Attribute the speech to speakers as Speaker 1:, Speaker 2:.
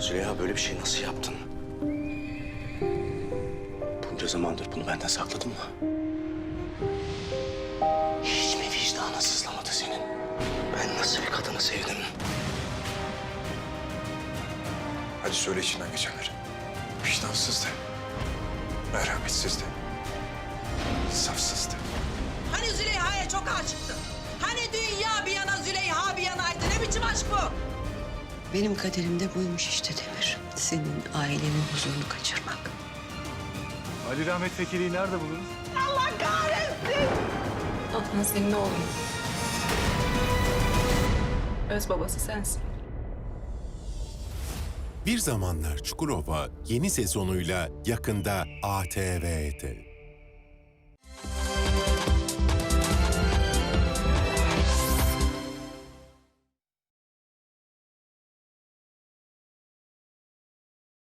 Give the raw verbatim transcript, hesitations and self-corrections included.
Speaker 1: Züleyha, böyle bir şey nasıl yaptın? Bunca zamandır bunu benden sakladın mı? Hiç mi vicdanın sızlamadı senin? Ben nasıl bir kadını sevdim?
Speaker 2: Hadi söyle içinden geçenleri. Vicdansızdı. Merhametsizdi. İnsafsızdı.
Speaker 3: Hani Züleyha'ya çok aşıktın? Hani dünya bir yana Züleyha bir yanaydı? Ne biçim aşk bu?
Speaker 4: Benim kaderimde buymuş işte Demir. Senin ailenin huzurunu kaçırmak.
Speaker 5: Ali Rahmet Fekeli'yi nerede buluruz?
Speaker 6: Adnan senin oğlun. Öz babası sensin.
Speaker 7: Bir Zamanlar Çukurova yeni sezonuyla yakında A T V'de.